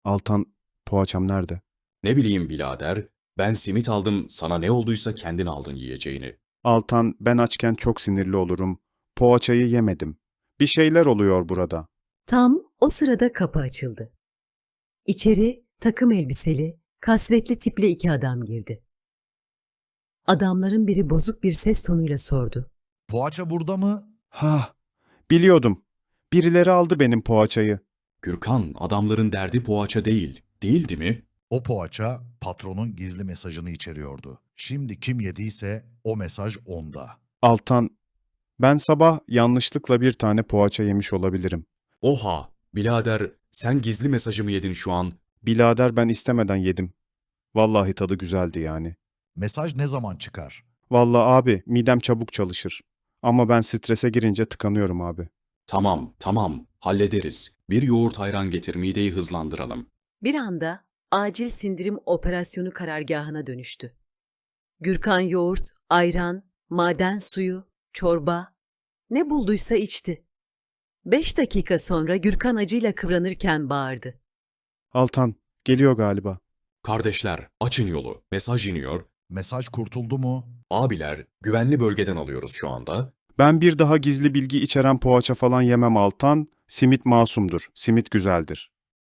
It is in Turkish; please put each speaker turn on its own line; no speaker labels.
Altan, poğaçam nerede?
Ne bileyim birader, ben simit aldım, sana ne olduysa kendin aldın yiyeceğini.
Altan, ben açken çok sinirli olurum. Poğaçayı yemedim. Bir şeyler oluyor burada.
Tam o sırada kapı açıldı. İçeri takım elbiseli, kasvetli tipli iki adam girdi. Adamların biri bozuk bir ses tonuyla sordu.
Poğaça burada mı?
Ha, biliyordum. Birileri aldı benim poğaçayı.
Gürkan, adamların derdi poğaça değil, değildi mi?
O poğaça patronun gizli mesajını içeriyordu. Şimdi kim yediyse o mesaj onda.
Altan, ben sabah yanlışlıkla bir tane poğaça yemiş olabilirim.
Oha, birader, sen gizli mesajımı yedin şu an.
Bilader ben istemeden yedim. Vallahi tadı güzeldi yani.
Mesaj ne zaman çıkar?
Vallahi abi midem çabuk çalışır. Ama ben strese girince tıkanıyorum abi.
Tamam, tamam, hallederiz. Bir yoğurt ayran getir, mideyi hızlandıralım.
Bir anda acil sindirim operasyonu karargahına dönüştü. Gürkan yoğurt, ayran, maden suyu, çorba, ne bulduysa içti. 5 dakika sonra Gürkan acıyla kıvranırken bağırdı.
Altan, geliyor galiba.
Kardeşler, açın yolu, mesaj iniyor.
Mesaj kurtuldu mu?
Abiler, güvenli bölgeden alıyoruz şu anda.
Ben bir daha gizli bilgi içeren poğaça falan yemem Altan. Simit masumdur. Simit güzeldir.